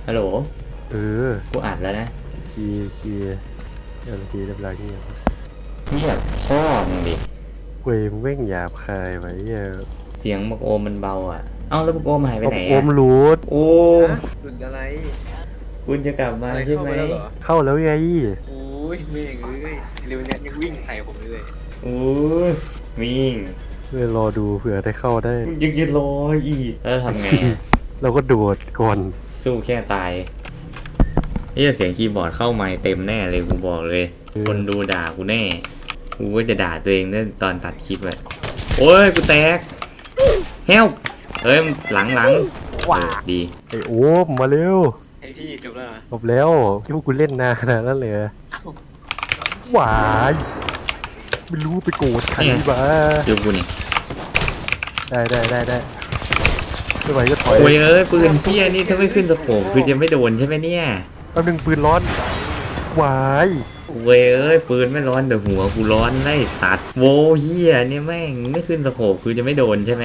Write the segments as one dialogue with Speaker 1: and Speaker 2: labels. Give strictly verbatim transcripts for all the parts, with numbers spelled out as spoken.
Speaker 1: ฮัลโหล
Speaker 2: เออ
Speaker 1: กูอัดแล้วนะ
Speaker 2: คีคีเอ็มทีเรียบร้อยเงียบ
Speaker 1: เงียบพ่อมึงดิ
Speaker 2: เว้ยมึงแม่งหยาบคายไว้เหี้ย
Speaker 1: เสียงบักโอมมันเบาอ่ะเอ้าแล้วบักโอมหายไปไหน
Speaker 2: โอมรูด
Speaker 1: โอ้
Speaker 3: หลุดอะไร
Speaker 1: คุณจะกลับมาใช่ไหม
Speaker 2: เข้าแล้วไง
Speaker 3: โอ้ยเมงเลยเร็วเนี้ยยังวิ่งใส่ผมเลย
Speaker 1: โอ้ยวิ่ง
Speaker 2: เพื่อรอดูเผื่อได้เข้าได้
Speaker 1: ยังจะรออีกแล้วทำไง
Speaker 2: เราก็โดดก่อน
Speaker 1: สู้แค่ตายนี่เสียงคีย์บอร์ดเข้าไมค์เต็มแน่เลยกูบอกเลยคนดูด่ากูแน่กูก็จะด่าตัวเองเนี่ยตอนตัดคลิปเลยโอ้ยกูแตกเฮลเอ้ยหลังหลังว้าดี
Speaker 2: ไอโอ้มาเร็ว
Speaker 3: ไอพี่จบแล้ว
Speaker 2: จบแล้วที่พวกกูเล่นนานขนาดนั้นเลยหวายไม่รู้ไปโกรธใครบ้า
Speaker 1: ดูกูนี่
Speaker 2: ได้ได้ได้ได้ไม่ไหวก็ถอย
Speaker 1: โอ้ยเอ้ยปืนเพี้ยนี่ถ้าไม่ขึ้นสโคปคือจะไม่โดนใช่ไหมเนี่ย
Speaker 2: เอาหนึ่งปืนร้อนหวาย
Speaker 1: เว้ยเอ้ยปืนไม่ร้อนแต่หัวกูร้อนไล่สัตว์โวเฮียเนี่ยแม่งไม่ขึ้นสโคปคือจะไม่โดนใช่ไหม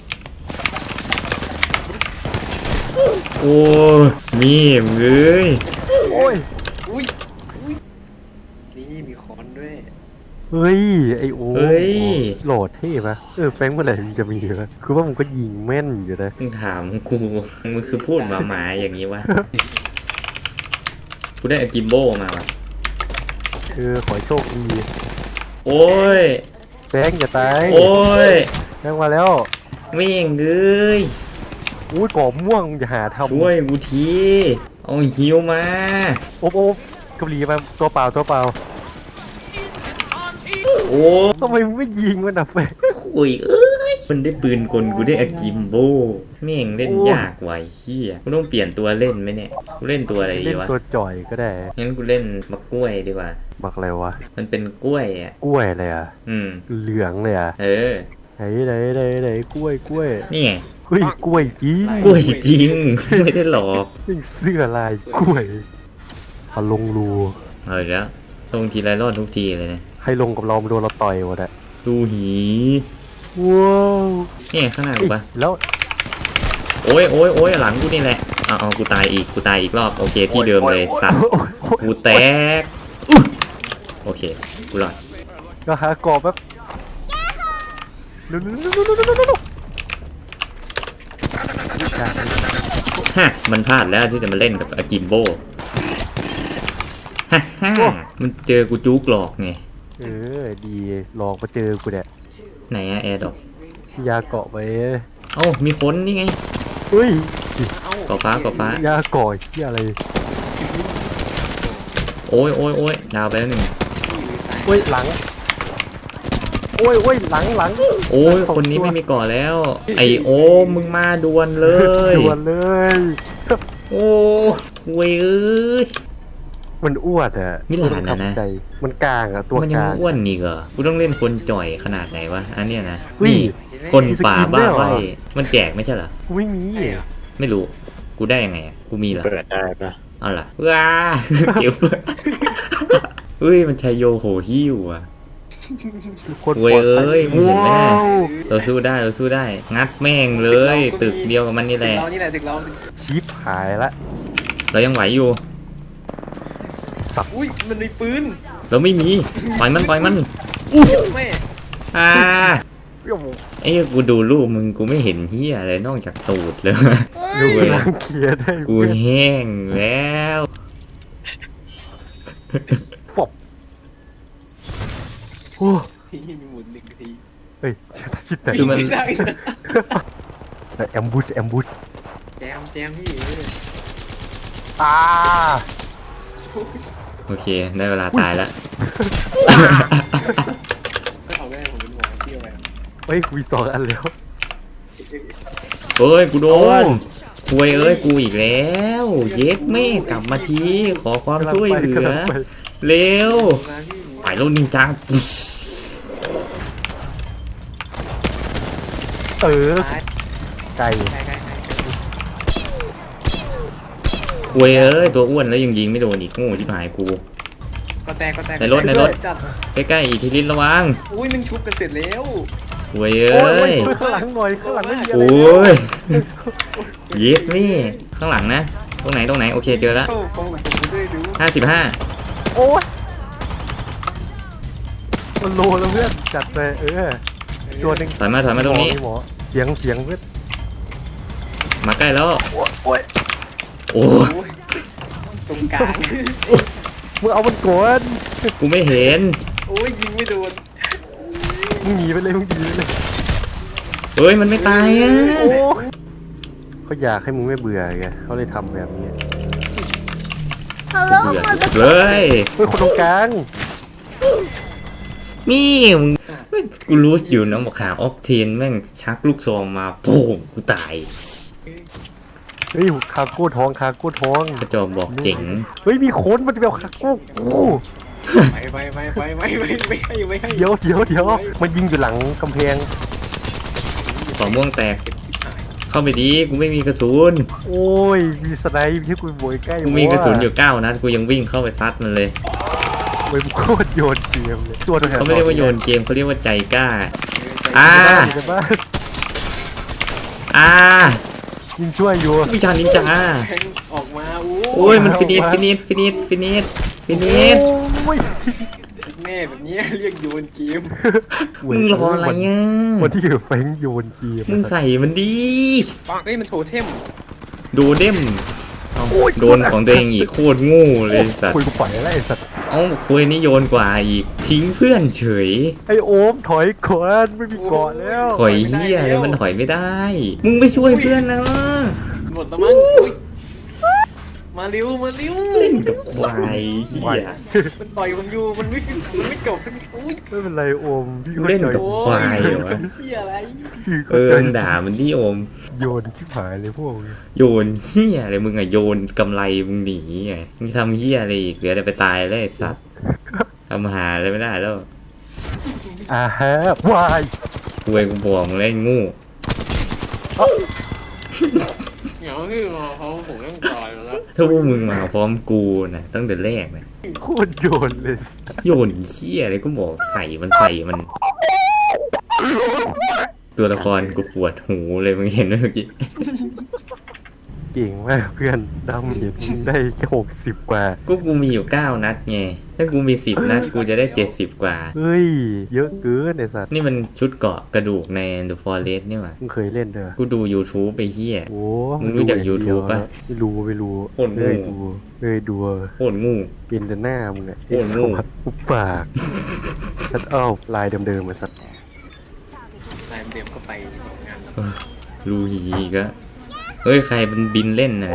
Speaker 1: โอ้มีเอ้ย
Speaker 2: โอ้ย
Speaker 3: อุ้ยอุ้ยนี่มีคอนด้วย
Speaker 2: เฮ้ยไอโอ้โหลดเท่ปะเออแฟงเมื่อไหร่มันจะมีวะคือว่ามึงก็ยิงแม่นอยู่นะ
Speaker 1: มึงถามกูมึงคือพูดมาหมาอย่างนี้วะกูได้กิมโบมาวะ
Speaker 2: เออขอโชคดี
Speaker 1: โอ้ย
Speaker 2: แฟงอย่าตาย
Speaker 1: โอ้ย
Speaker 2: แฟงมาแล้ว
Speaker 1: ไม่เองเลย
Speaker 2: อุ้ยกรอบม่วงอย่าหาทำ
Speaker 1: ช่วยกูทีเอาฮิวมา
Speaker 2: โอ๊บโอ๊บกบหลีมาตัวเปล่าตัวเปล่า
Speaker 1: โอ้
Speaker 2: ทำไมไม่ยิงมันอ่ะแฟง
Speaker 1: โอ้ยเอ้ยมันได้ปืนกลกูได้อากิมโบแม่งเล่นยากไว้เฮียกูต้องเปลี่ยนตัวเล่นไหมเนี่ยกูเล่นตัวอะไรดีวะ
Speaker 2: เล่นตัวจ่อยก็ได้
Speaker 1: งั้นกูเล่นมักกล้วยดีกว่า
Speaker 2: มักอะไรวะ
Speaker 1: มันเป็นกล้วยอ่ะ
Speaker 2: กล้วยอะไรอ่ะ
Speaker 1: อืม
Speaker 2: เหลืองเลยอ่ะ
Speaker 1: เออ
Speaker 2: ไหนไหนไหนไหนกล้วยกล้วย
Speaker 1: นี่ไง
Speaker 2: เฮ้ยกล้วยจริง
Speaker 1: กล้วยจริงไม่ได้หลอก
Speaker 2: เสื้อลายกล้วยพอลงรู
Speaker 1: เฮ้ยแล้วลงทีไรรอดทุกทีเลยนะ
Speaker 2: ใครลงกับเรามาโดนเราต่อยหมดอะ
Speaker 1: ดูหี
Speaker 2: ว้าว
Speaker 1: นี่ข้างหน้ากูปะ
Speaker 2: แล้ว
Speaker 1: โอ้ยโอ้ยโอ้ยหลังกูนี่แหละเอาเอากูตายอีกกูตายอีกรอบโอเคที่เดิมเลยสัตว์กูแตกโอเคกูรอด
Speaker 2: ก็หากรอบแบบ
Speaker 1: ฮะมันพลาดแล้วที่จะมาเล่นกับอากิมโบฮ่าฮ่ามันเจอกูจุกหลอกไง
Speaker 2: เออดีหลอกมาเจอกูเนี่ย
Speaker 1: ไหนอะแอร์ดอก
Speaker 2: ยาเกาะไป
Speaker 1: เอ้ามีคนนี่ไง
Speaker 2: เฮ้ย
Speaker 1: เกาะฟ้าเกาะฟ้าย
Speaker 2: าเกาะที่อะไร
Speaker 1: โอ้ยโอ้ยโอ้ยดาวไปแล้วหนึ่ง
Speaker 2: โอ้ยหลังโอ้ยโอ้ยหลังหลัง
Speaker 1: โอ้ยคนนี้ไม่มีเกาะแล้วไอโอ้มึงมาดวลเลย
Speaker 2: ดวลเลย
Speaker 1: โอ้เว้ยเอ้ย
Speaker 2: มันอ้วนอะ
Speaker 1: มิลานนะนะ
Speaker 2: มันกลางอะตัวกลาง
Speaker 1: มันยังอ้วนนี่เหรอกูต้องเล่นคนจ่อยขนาดไหนวะอันเนี้ยนะนี่คนป่าบ้าใบมันแจกไม่ใช่เหรอ
Speaker 2: กูไม่มี
Speaker 1: ไม่รู้กูได้ยังไงกูมีเหรอ
Speaker 3: เปิดได้ปะ
Speaker 1: เอาล่ะว้าเก็บเฮ้ยมันชัยโยโหหิ้วอะเว้ยเอ้ยมึงเห็นไหมเราสู้ได้เราสู้ได้งัดแม่งเลยตึกเดียวกับมันนี่แหละ
Speaker 2: ชิปหายละ
Speaker 1: เรายังไหวอยู่
Speaker 3: อุ้ยมันมีปืน
Speaker 1: เราไม่มีปล่อยมันปล่อยมันอู้
Speaker 3: แม่
Speaker 1: อ่าไอ้กูดูรูปมึงกูไม่เห็นเหี้ยอะไรนอกจากตูดเลย
Speaker 2: ดูรังเกียจได้
Speaker 1: กูแห้งแล้ว
Speaker 2: ปบโอ้
Speaker 3: ยหมุนหนึ่งที
Speaker 2: เฮ้ยคิดแต่
Speaker 1: คือมัน
Speaker 2: แอมบูชแอมบูช
Speaker 3: แจมแจมพี่
Speaker 2: อ่า
Speaker 1: โอเคได้เวลาตายแล้ว
Speaker 3: เอาได้ผมเป็นหัวเที่ยวไป
Speaker 2: เฮ้ยคุยต่อกันแล้ว
Speaker 1: เฮ้ยกูโดนคุยเอ้ยกูอีกแล้วเย็ดแม่กลับมาทีขอความช่วยเหลือเร็วไปแล้วนินจา
Speaker 2: เออไก่
Speaker 1: เว้ยเอ้ยตัวอ้วนแล้วยังยิงไม่โดนอีกโง่ที่หายกู
Speaker 3: ก็แตกก็แตก
Speaker 1: ในรถในรถใกล้ๆอีกทีลิ้นระวัง
Speaker 3: อุ้ยมันชุบกันเสร็จแล้ว
Speaker 1: เว้ยเอ้ย
Speaker 2: ข้างหลังหน่อยข้างหลังไม่มีอะไร
Speaker 1: โอ้ยเย็ดนี่ข้างหลังนะตรงไหนตรงไหนโอเคเจอแล้ว
Speaker 3: โอ้ฟองกับผมด้วยดู
Speaker 1: ห้าสิบห้า
Speaker 2: โอ้ยมันโลแล้วเพื่อนจัดไปเออตัวหนึ่ง
Speaker 1: ถอยมาถอยมาตรงนี้
Speaker 2: หมอเสียงเสียงเพื่อน
Speaker 1: มาใกล้แล้ว
Speaker 2: โอ้ย
Speaker 1: โอ้
Speaker 3: โอ้ยตรงกลาง
Speaker 2: มึงเอามันก่อน
Speaker 1: กูไม่เห็น
Speaker 3: โอ้ยยิงไม่โดน
Speaker 2: มึงหนีไปเลยมึงหนีไปเลย
Speaker 1: เฮ้ยมันไม่ตายอ่ะ
Speaker 2: โอ้ยเขาอยากให้มึงไม่เบื่อไงเขาเลยทำแบบนี้
Speaker 4: Hello,
Speaker 1: เบื่อ
Speaker 4: motherfucker.
Speaker 1: เลย
Speaker 2: เฮ้ยคนตรงกลาง
Speaker 1: มี่มึงกูรู้อยู่น้องบอกขาออกเทนแม่งชักลูกซองมาโป่งกูตาย
Speaker 2: เฮ้ยคาโก้ทองคาโก้ทอง
Speaker 1: กระจอกบอกเจ๋ง
Speaker 2: เฮ้ยมีคนมันจะไปเอาคาโก้โอ้
Speaker 3: ไปไปไปไปไปไปไม่ให้ไม่ให้
Speaker 2: เดี๋ยวเดี๋ยวเดี๋ยวมันยิงอยู่หลังกำแพง
Speaker 1: สองม่วงแตก เข้าไปดีกูไม่มีกระสุน
Speaker 2: โอ้ยมีสไนป์ที่กูโบยใกล้
Speaker 1: กูมีกระสุนอยู่เก้านัดกูยังวิ่งเข้าไปซัดมันเลย
Speaker 2: เว้ยมึงโคตรโยนเกมเลยตัวตัวแทน
Speaker 1: เขาไม่เรียกว่าโยนเกมเขาเรียกว่าใจกล้า อ่า
Speaker 2: อยู่ในบ้าน
Speaker 1: อ่า
Speaker 2: ยิงช่วยอยู่
Speaker 1: วิชานินจา
Speaker 3: แทงออกมาโอ้
Speaker 1: โอ้ยมันฟินิชฟินิชฟินิชฟินิชฟินิช
Speaker 2: โอ้ย
Speaker 3: แม่แบบนี้เรียกโยนเกม
Speaker 1: มึงรออะไรอ่ะ
Speaker 2: วันที่อยู่แฟงโยนเกม
Speaker 1: มึงใส่มันดี
Speaker 3: เฮ้ยมันโถเทม
Speaker 1: โดเด้มเอาโดนของตัวเองอีกโคตรโง่เลยสัต
Speaker 2: คุย
Speaker 1: ว์
Speaker 2: กูปล่อยแล้วไอ้สัตว์
Speaker 1: เอ้าคุยนี่โยนกว่าอีกทิ้งเพื่อนเฉย
Speaker 2: ไอ้โอมถอยก่อนไม่มีเกาะแล้ว
Speaker 1: ถอยเฮียอะไรมันถอยไม่ได้ มึงไม่ช่วยเพื่อนนะ
Speaker 3: หมดแล้วมั้งอุ๊ยมาเร็วมาเร็ว
Speaker 1: เล่นกับควายเฮีย
Speaker 3: มันต่อยผมอยู่มันไม่มันไม่จบสักทีอุ้ย
Speaker 2: ไม่เป็นไรโอมพี่
Speaker 1: เล่นกับ
Speaker 3: โอ้
Speaker 1: ควายเหรอวะ
Speaker 3: เฮียอะไร
Speaker 2: พี่
Speaker 1: เอ
Speaker 2: เข้า
Speaker 1: อ
Speaker 2: ใจ
Speaker 1: มึงด่ามันที่โอม
Speaker 2: โยนชิบหายเลยพวกมึง
Speaker 1: โยนเฮียอะไรมึงอะโยนกำไรมึงหนีไงมึงทำเฮียอะไรอีกเหลือแต่ไปตายแล้วไอ้สัตว์ทำหาอะไรไม่ได้แล้ว
Speaker 2: อ่าฮะวาย
Speaker 1: กูเองกูบอกมึงเล่นงู
Speaker 3: เหงาที่เขาผมยังต่อยแล้ว
Speaker 1: ถ้าพวกมึงมาพร้อมกูนะตั้งแต่แรกนะ
Speaker 2: โคตรโยนเลย
Speaker 1: โยนเฮียอะไรก็บอกใส่มันใส่มัน ตัวละครกูปวดหูเลยมึงเห็นไหมเมื่อกี้
Speaker 2: เก่งมากเพื่อนดำเห็นมึงได้แค่หกสิบกว่า
Speaker 1: ก็กูมีอยู่เก้านัดไง ถ้ากูมีสิบนัดกูจะได้เจ็ดสิบกว่า
Speaker 2: เฮ้ยเยอะเกินไอ้สัตว์
Speaker 1: นี่มันชุดเกราะกระดูกใน The Forest นี่หว่า
Speaker 2: มึงเคยเล่นเด้อ
Speaker 1: กูดู YouTube ไปเฮีย
Speaker 2: โอ้
Speaker 1: มึงรู้จัก YouTube ปะ
Speaker 2: ไม่รู้ไม่รู้
Speaker 1: โคตรโง่
Speaker 2: เลยดูเลยดู
Speaker 1: โคตรงู
Speaker 2: เป็นแต่หน้ามึงอะ
Speaker 1: โคตรโง่
Speaker 2: อุปปากสัตว์เอ้าลายเดิมๆมาสัตว์
Speaker 3: นายเดิมก็ไปงานแล้ว
Speaker 1: รูหีก็เฮ้ย ใครมันบินเล่นนะ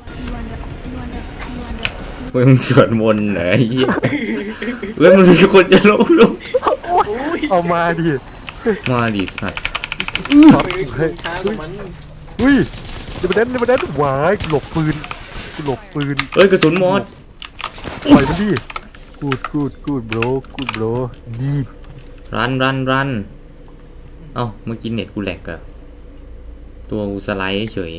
Speaker 1: เฮ้ยมึงสวดมนต์เหรอไอ้เหี้ยเฮ้ยมันมีคนจะลงลง
Speaker 3: อุ้ย
Speaker 2: เอามาดิ
Speaker 1: มาดิสัตว์
Speaker 3: เฮ้ยช้ากว่ามัน
Speaker 2: อุ้ยเดี๋ยวมาเด่นเดี๋ยวมาเด่นหวายกูหลบปืนกูหลบปืน
Speaker 1: เฮ้ยกระสุนหมด
Speaker 2: ปล่อยมันดิกูดกูดกูดโบรกูดโบรดี
Speaker 1: รันรันรันเอ้าเมื่อกี้เน็ตกูแหลกอะตัวกูสไลด์เฉย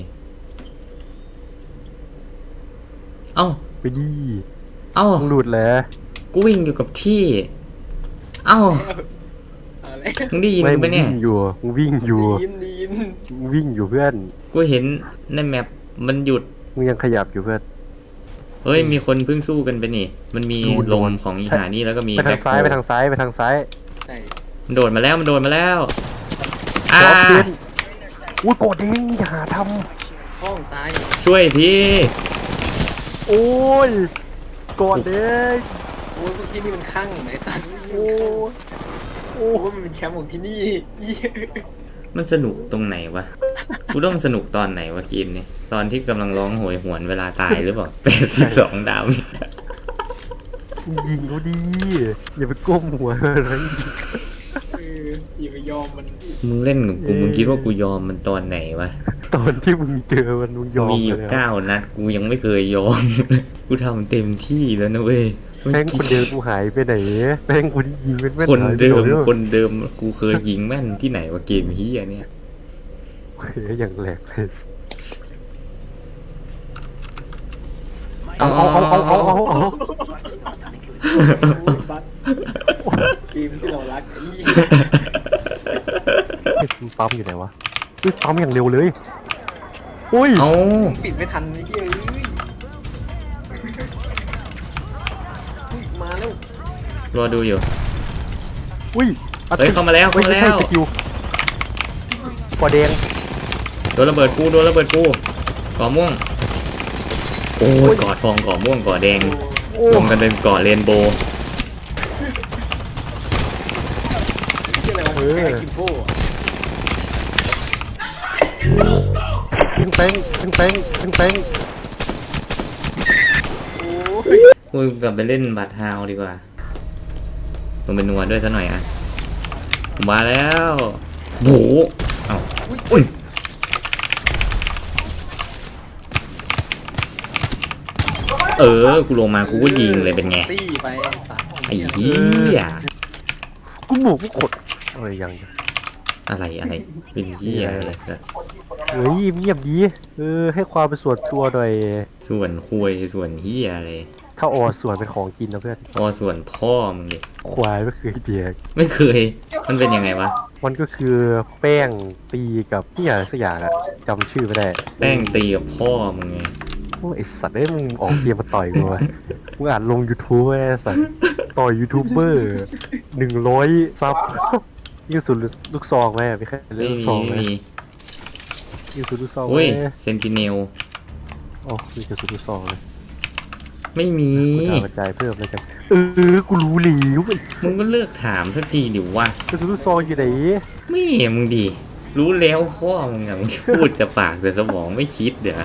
Speaker 1: เอ้า
Speaker 2: ไปดิ
Speaker 1: เอ้า
Speaker 2: มึงหลุดแล้ว
Speaker 1: กูวิ่งอยู่กับที่ เอ้า
Speaker 3: อะไร
Speaker 1: มึงได้ยิน
Speaker 2: ไม่
Speaker 1: กู
Speaker 2: มึ
Speaker 1: ปะ
Speaker 2: ง
Speaker 1: เนี่
Speaker 2: วิ่
Speaker 1: ย
Speaker 2: งอยู่มึงวิ่งอยู่
Speaker 3: ดีนดีน
Speaker 2: มึงวิ่งอยู่เพื่อน
Speaker 1: กูเห็นในแมปมันหยุด
Speaker 2: มึงยังขยับอยู่เพื่อน
Speaker 1: เฮ้ย มีคนเพิ่งสู้กันไปนี่ มันมี
Speaker 2: ดูโด
Speaker 1: ล
Speaker 2: น
Speaker 1: มของอีหานี่แล้วก็มี
Speaker 2: ไปทางซ้าย
Speaker 1: แบ็
Speaker 2: ไป
Speaker 1: คโฮ
Speaker 2: ทางซ้ายไปทางซ้าย
Speaker 3: ใช่
Speaker 1: มันโดดมาแล้วมันโดดมาแล้วอ่า
Speaker 2: ขอเพื่อนอุ้ยโกรธเองอย่าหาท
Speaker 3: ห้องตาย
Speaker 1: ช่วยที
Speaker 2: ำโอ้ยโกรธเอง
Speaker 3: โอ้ยพวกที่นี่มันข้างไหนตัน
Speaker 2: โอ้ยโอ้
Speaker 3: โอ้ยมันเป็นแชมป์ของที่นี่
Speaker 1: มันสนุกตรงไหนวะ กูต้องสนุกตอนไหนวะเกมเนี่ยตอนที่กำลังร้องโหยหวนเวลาตายหรือเปล่า เป็นสิบสองดาว
Speaker 2: ยิงเขาดีอย่าไปก้มหัวอะไร
Speaker 3: เอออย่าไปยอมมัน
Speaker 1: มึงเล่นกับกูมึงคิดว่ากูยอมมันตอนไหนวะ
Speaker 2: ตอนที่มึงเจอมันมึงยอม
Speaker 1: มีอยู่
Speaker 2: เลย
Speaker 1: เก้านัดกูยังไม่เคยยอม กูทำเต็มที่แล้วนะเว้ย
Speaker 2: แม่งคนเดิมกูหายไปไหนแม่งกูที่ยิงเป็นแม่น
Speaker 1: คน
Speaker 2: หายไป
Speaker 1: เดิม
Speaker 2: ไหน
Speaker 1: คนเดิมกูเคยยิงแม่นที่ไหนวะเกมเฮียเนี่ย
Speaker 2: เฮ้ยอย่างแหลกเลย
Speaker 1: เอา
Speaker 2: เอา
Speaker 1: เอา
Speaker 2: เอา
Speaker 1: เอา
Speaker 2: เอา
Speaker 1: เอา
Speaker 2: เอา
Speaker 1: เอา
Speaker 2: เอา
Speaker 3: โอ้ยบัสเกมที่เรารักไอ้ยี่
Speaker 2: เฮ้ยมันปั๊มอยู่ไหนวะเฮ้ยปั๊มอย่างเร็วเลยอุ้ย
Speaker 1: เอา
Speaker 3: ปิดไม่ทันไอ้เหี้ยเอ้ย
Speaker 1: รอดูอยู่
Speaker 2: อุ้ย
Speaker 1: เฮ้ยเข้ามาแล้วเข้ามาแล้ว
Speaker 2: ไม่ใช่สกิลกอแดง
Speaker 1: โดนระเบิดกูโดนระเบิดกูก่อม่วงโอ้ยก่อทองก่อม่วงก่อแดง
Speaker 2: โอ้
Speaker 1: รวมกันเป็นก่อเรนโบว์
Speaker 3: ที่อะไรวะแค่กิมโบ้
Speaker 2: ขึ้นแป้งขึ้นแป้งขึ้นแป้ง
Speaker 3: โอ้ย
Speaker 1: กูกลับไปเล่นบัตรฮาวดีกว่าลงเป็นนัวด้วยซะหน่อยอ่ะผมมาแล้วโหเอ้าอุ้ยเออกูลงมากูก็ยิงเลยเป็นไง
Speaker 3: ตี้ไปสาม
Speaker 1: ไอ้เหี้ย
Speaker 2: กูหมูกูขดอะไรยัง
Speaker 1: อะไรอะไรเป็นเหี้ยอะไรกัน
Speaker 2: เฮ้ยเงียบดีเออให้ความเป็นส่วนตัวหน่อย
Speaker 1: ส่วนคุยส่วนเหี้ยอะไร
Speaker 2: ถ้าออส่วนเป็นของกินนะเพื่อน
Speaker 1: พอส่วนพ่อมึงดิ
Speaker 2: ควายไม่เคยเบียก
Speaker 1: ไม่เคยมันเป็นยังไงวะ
Speaker 2: มันก็คือแป้งตีกับที่อะไรสักอย่างอะจำชื่อไม่ได้
Speaker 1: แป้งตีกับพ่อมึงไง
Speaker 2: โอ้ยไอสัตว์ได้ยมึงออกเกมมาต่อยกูวะมึงอ่านลง YouTube ไอ้สัตว์ต่อยยูทูบเบอร์หนึ่งร้อยซับยิงสุดลูกซองไหมไม่ใช่เล่
Speaker 1: ไม่
Speaker 2: นลูก
Speaker 1: มี
Speaker 2: ซองไหม
Speaker 1: ไม่มี
Speaker 2: ยิงสุดลูกซองไหม
Speaker 1: อุ้ยเซนติเนล
Speaker 2: อ๋อมีกระสุนลูกซองเลย
Speaker 1: ไม่มี
Speaker 2: กูถามกระจายเพิ่มเลยกันเออกูรู้หลิวไอ้
Speaker 1: มึงก็เลือกถามสักทีดิวะ
Speaker 2: กระสุนลูกซองอยู่ไหน
Speaker 1: ไม่มึงดิรู้แล้วพ่อมึงอะมึงพูดกับปากแต่สมองไม่คิดเดี๋ยว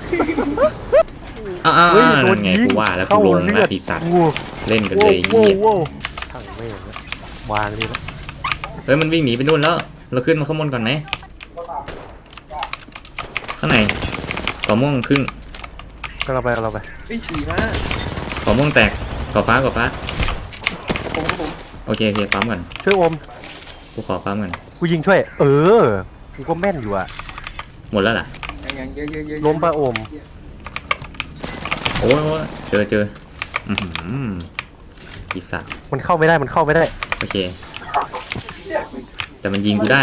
Speaker 1: อ้าวนั่นไงกูว่าแล้วกูลงแล้วปีศาจ
Speaker 2: โว้
Speaker 1: เล่นกัน
Speaker 2: โว้
Speaker 1: เลย
Speaker 2: โว้
Speaker 1: เหี้ย
Speaker 2: โว้ทั้งแม่งนะวางนี่นะ
Speaker 1: เฮ้ยมันวิ่งหนีไปนู่นแล้ว เราขึ้นมาข้างบนก่อนไหมข้างในก่อม่วงครึ่ง
Speaker 2: ก็เราไปก็เราไป
Speaker 3: ไอ้ขี่มา
Speaker 1: ก่อม่วงแตกก่อฟ้าก่อฟ้า
Speaker 3: ผมครับผม
Speaker 1: โอเคโอเคปั๊มก่อน
Speaker 2: ช่วยอม
Speaker 1: กูขอปั๊มก่อน
Speaker 2: กูยิงช่วย เออกูก็แม่นอยู่อะ
Speaker 1: หมดแล้วล่ะ
Speaker 3: ยังยังเยอะเยอะเยอะ
Speaker 2: ล้มปะอม
Speaker 1: โอ้ยโอ้ยเจอเจออือหือปีศาจ
Speaker 2: มันเข้าไม่ได้มันเข้าไม่ได้
Speaker 1: โอเค แต่มันยิงกูได้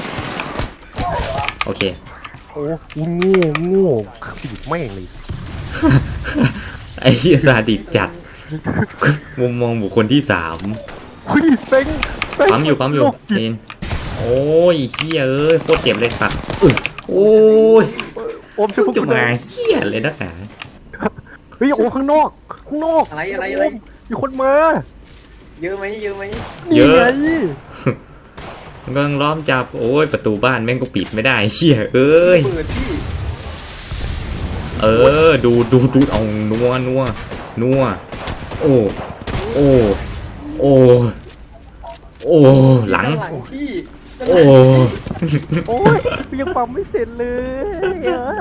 Speaker 1: โอเค
Speaker 2: โอ้กูโง่โง่ขีดแม่งเลย
Speaker 1: ไอ้เหี้ยซาดิสจัด มุมมองบุคคลที่สาม
Speaker 2: เฮ้ยเป้งเป้ง
Speaker 1: ปั๊มอยู่ปั๊มอยู่
Speaker 2: โรคจิต
Speaker 1: เจนโอ้ยเหี้ยเอ้ยโคตรเจ็บเลยสัตว์อึโอ้ย
Speaker 2: อมช่วยพวก
Speaker 1: จะ
Speaker 2: กูหน่
Speaker 1: มา
Speaker 2: อย
Speaker 1: เหี้ยเลยนักหนา
Speaker 2: เฮ้ยโอ้ข้างนอกข้างนอก
Speaker 3: อะไรอะไรอะไร
Speaker 2: มีคนมา
Speaker 3: เยอะไหมเยอะไหม
Speaker 1: เยอะ
Speaker 2: นี่ไง
Speaker 1: มันกำลังล้อมจับโอ้ยประตูบ้านแม่งก็ปิดไม่ได้เหี้ยเอ้ย
Speaker 3: เปิดที่
Speaker 1: เออดูดูดูเอานัวนัวนัวโอ้โอ้โอ้โอ้หลัง
Speaker 3: ด้านหลังพี่ด้านห
Speaker 1: โอ้
Speaker 3: ลัง
Speaker 2: โอ้ยยังปั๊มไม่เสร็จเลย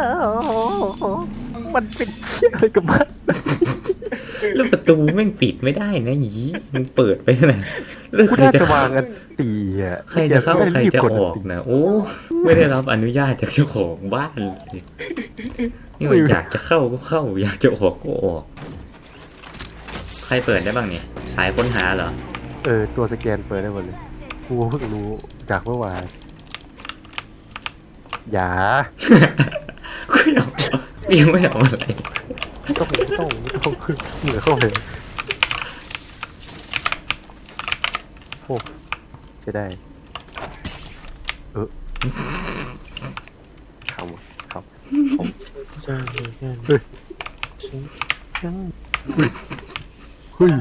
Speaker 2: มันเป็นเหี้ยอะไรกับมัน
Speaker 1: แล้วประตูแม่งปิดไม่ได้นะหยีมันเปิดไปนะแล้ว
Speaker 2: กู
Speaker 1: ใคร
Speaker 2: น่า
Speaker 1: จะ
Speaker 2: จะวา
Speaker 1: เข้าง
Speaker 2: อันตีอ่ะ
Speaker 1: ใครจะเข้า
Speaker 2: ไม่
Speaker 1: ใคร
Speaker 2: รีบ
Speaker 1: จะ
Speaker 2: กด
Speaker 1: ออกนะโอ้ไม่ได้รับอนุญาตจากเจ้าของบ้านเลยนี่ว่าอยากจะเข้าก็เข้า อยากจะออกก็ออก ใครเปิดได้บ้างเนี่ยสายค้นหาเหรอ
Speaker 2: เออตัวสแกนเปิดได้หมดเลยกูเพิ่งรู้จากเมื่อวานอย่า
Speaker 1: กูยังยังไม่เอาอะไร
Speaker 2: ไม่ต้องไม่ต้องไม่ต้องเหนือเข้าเลยโอ้จะได้ เออคำครับเฮ้ยเฮ้ย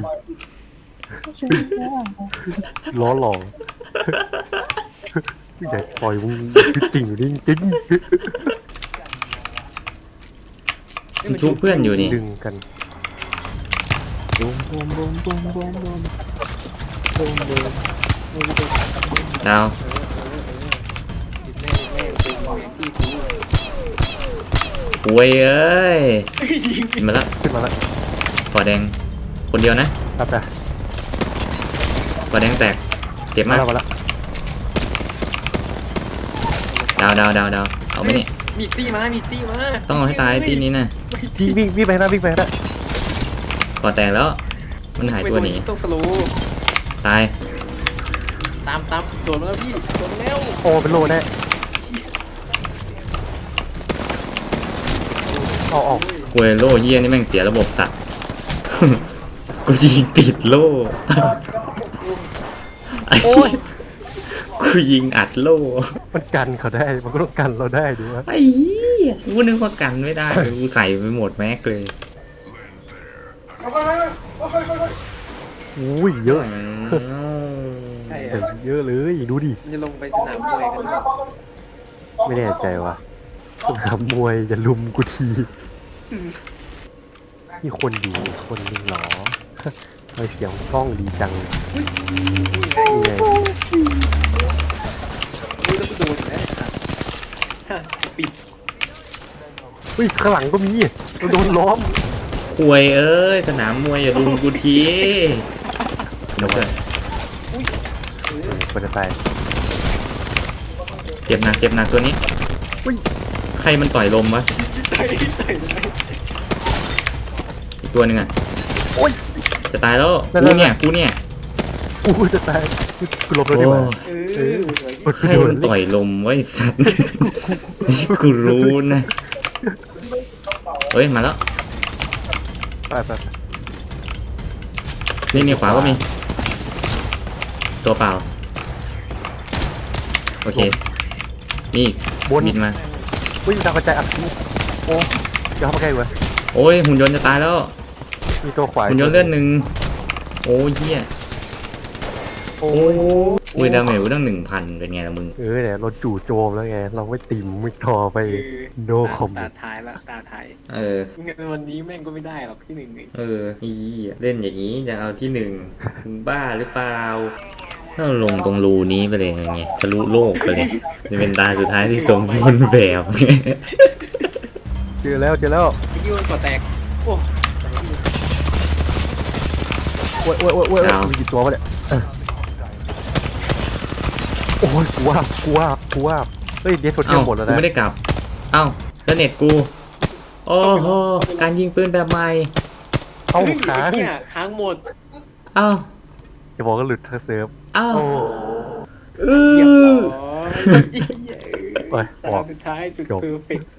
Speaker 2: ล้อหลอกอยากปล่อยมึงคือจริงอยู่นี่จริง
Speaker 1: มันชุบเพื่อนอยู่นี่
Speaker 2: ดึงกัน
Speaker 1: ดาว
Speaker 3: แม่แม่เป็นแม่ที่กู
Speaker 1: ป่วยเอ้ย
Speaker 3: ยิง
Speaker 1: กินมาละ
Speaker 2: ขึ้นมาแล้ว
Speaker 1: ขอแดง คนเดียวนะ
Speaker 2: ครับจ้ะ
Speaker 1: ขอแดงแตกเจ็บ
Speaker 2: มาม
Speaker 1: าก
Speaker 2: แล้วมาแล้ว
Speaker 1: ดาวดาวดาวดาวเอาไปนี่
Speaker 3: มีตี้มามีตี้มา
Speaker 1: ต้องเอาให้ตายที่นี้นะ
Speaker 2: วิ่งวิ่งวิ่งไปหน้าวิ่งไปหน้า
Speaker 1: ก่อแตกแล้ว มันหายตัวหนี
Speaker 3: ต้องสโลว์
Speaker 1: ตาย
Speaker 3: ตามตามโดดมาแล้วพี่โดดมาแล้ว
Speaker 2: โอ้เป็นโลแน่ออกออก
Speaker 1: กวยโล่เยี่ยนี่แม่งเสียระบบสัตว์ กูยิงติดโล่
Speaker 2: โโอ้ย
Speaker 1: กูยิงอัดโล่
Speaker 2: มันกันเขาได้มันก็ต้องกันเราได้ดูวะ
Speaker 1: ไอ้เหี้ยกูนึกว่ากันไม่ได้กูใส่ไปหมดแม็กเลย
Speaker 2: อุ้ยเยอะ
Speaker 3: ใช่
Speaker 2: แต่
Speaker 3: อะ
Speaker 2: เยอะเลยดูดิ
Speaker 3: มันจะลงไปสนามมวยกันหรือเปล่า
Speaker 2: ไม่แน่ใจว่ะสนามมวยจะลุมกูทีมีคนอยู่คนหนึงเหรอทำไมเสียงกล้องดีจัง
Speaker 3: อุ้ย
Speaker 2: นี่ไง
Speaker 3: อุ้ยแล้วกูโดนอีกแล้วอ่ะฮะปิด
Speaker 2: เฮ้ยข้างหลังก็มีเราโดนล้อม
Speaker 1: ควยเอ้ยสนามมวยอย่าลุมกูทีเดี๋ยวก่อน
Speaker 2: เออคนจะตาย
Speaker 1: เจ็บหนักเจ็บหนักตัวนี้
Speaker 2: อุ้ย
Speaker 1: ใครมันต่อยลมวะ
Speaker 3: ต่อยต่อยต่อย
Speaker 1: อีกตัวหนึ่งอ่ะ
Speaker 2: โอ้ย
Speaker 1: จะตายแล้ว
Speaker 2: นั่น
Speaker 1: กู
Speaker 2: ๆ
Speaker 1: เนี่ยกูเนี่ย
Speaker 2: อู้จะตายกูหลบแล้วดีกว่า
Speaker 3: เอ
Speaker 2: เอ
Speaker 3: อ
Speaker 2: อ
Speaker 1: ใครมันต่อยลมไวะไอ้สัตว์ กูรู้นะเฮ้ยมาแล้ว
Speaker 2: ไปไปไป
Speaker 1: นี่นี่ขวาก็มี ตัวเปล่าโอเคนี่
Speaker 2: บน
Speaker 1: บินมา
Speaker 2: อุ้ยดาวกระจายอัดทีโอ้อย่าเข้ามาใกล้เว้ย
Speaker 1: โอ้ยหุ่นยนต์จะตายแล้ว
Speaker 2: มีตัวขวาย
Speaker 1: หุ่นยนต์เลือดหนึ่งโอ้ยเหี้ย
Speaker 2: โอ้
Speaker 1: อุ้ยดาเมจกูตั้งหนึ่งพันเป็นไงล่ะมึง
Speaker 2: เออเนี่ยเราจู่โจมแล้วไงเราไม่ติ่มไม่ทอไป
Speaker 3: เออ
Speaker 2: โนคอม
Speaker 3: ตาท้ายละตาท้าย
Speaker 1: เออ
Speaker 3: งั้นวันนี้แม่งก็ไม่ได้หรอกที่หนึ่งเลย
Speaker 1: เอออีเล่นอย่างนี้จะเอาที่หนึ่งมึงบ้าหรือเปล่าถ้าเราลงตรงรูนี้ไปเลยไงทะลุโลกไปเลยจะเป็นตาสุดท้ายที่สมบูรณ์แบบไง
Speaker 2: เจอแล้วเจอแล้ว
Speaker 3: ไอ้ยี่มันก่อแตกโอ้
Speaker 2: โอ้ยโอ้ยโอ้ยโอ้ยมีกี่ตัววะเนี่ยเออโอ้ยกูว่ากูว่ากูว่าเฮ้ยเดสโซเชีย
Speaker 1: เอ้า
Speaker 2: ลหมดแล้ว
Speaker 1: กู
Speaker 2: นะ
Speaker 1: ไม่ได้กลับ เอ้าแล้วเน็ตกู โอ้โหการยิงปืนแบบใหม่
Speaker 2: เอ้า
Speaker 3: เฮ้ย
Speaker 2: ค้าง
Speaker 3: ไอ้เนี่ยค้างหมด
Speaker 1: เอ้า
Speaker 2: จะบอกก็หลุดทั้งเซิร์ฟ
Speaker 1: เอ้า
Speaker 2: โอ้
Speaker 1: เอ
Speaker 3: เรียบร้
Speaker 1: อ
Speaker 3: อย
Speaker 2: ไปอ
Speaker 3: ตา
Speaker 2: อก
Speaker 3: สุดท้ายสุด
Speaker 2: จบ
Speaker 3: เพอร์เฟกต์